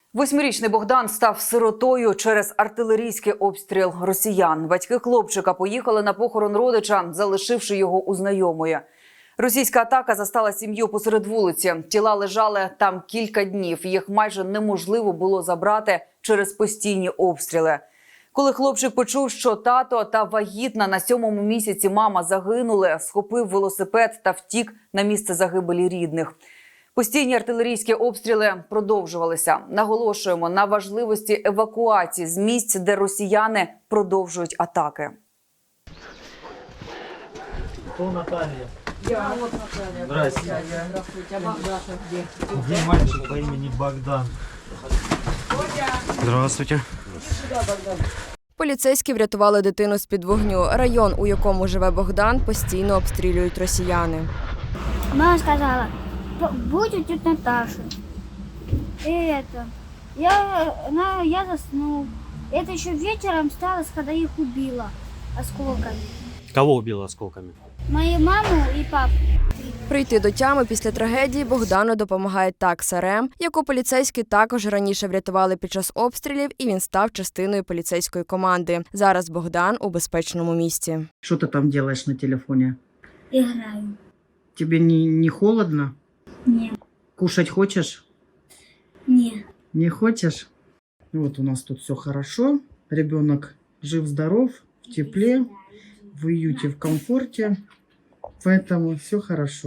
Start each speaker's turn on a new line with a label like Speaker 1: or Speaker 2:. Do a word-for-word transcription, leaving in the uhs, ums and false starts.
Speaker 1: Восьмирічний Богдан став сиротою через артилерійський обстріл росіян. Батьки хлопчика поїхали на похорон родича, залишивши його у знайомої. Російська атака застала сім'ю посеред вулиці. Тіла лежали там кілька днів. Їх майже неможливо було забрати через постійні обстріли. Коли хлопчик почув, що тато та вагітна на сьомому місяці мама загинули, схопив велосипед та втік на місце загибелі рідних. Постійні артилерійські обстріли продовжувалися. Наголошуємо на важливості евакуації з місць, де росіяни продовжують атаки.
Speaker 2: Кто Наталья?
Speaker 3: Я вот Наталья.
Speaker 2: Здравствуйте.
Speaker 3: Здравствуйте. А Богдаша где?
Speaker 2: Где мальчик по имени Богдан?
Speaker 4: Здравствуйте.
Speaker 3: Сюда, Богдан.
Speaker 5: Поліцейські врятували дитину з-під вогню. Район, у якому живе Богдан, постійно обстрілюють росіяни.
Speaker 6: Мама сказала, будь у тети Наташи. И это, я, на, я заснул. Это еще вечером сталось, когда их убила осколками.
Speaker 4: Кого убило осколками?
Speaker 6: Мою маму и папу.
Speaker 5: Прийти до тями після трагедії Богдану допомагає такса РЕМ, яку поліцейські також раніше врятували під час обстрілів, і він став частиною поліцейської команди. Зараз Богдан у безпечному місці.
Speaker 7: Что ты там делаешь на телефоне?
Speaker 6: Играю.
Speaker 7: Тебе не, не холодно?
Speaker 6: Не,
Speaker 7: Кушать хочешь?
Speaker 6: не.
Speaker 7: Не хочешь? Вот у нас тут все хорошо. Ребенок жив-здоров, в тепле, в уюте, в комфорте. Поэтому все хорошо.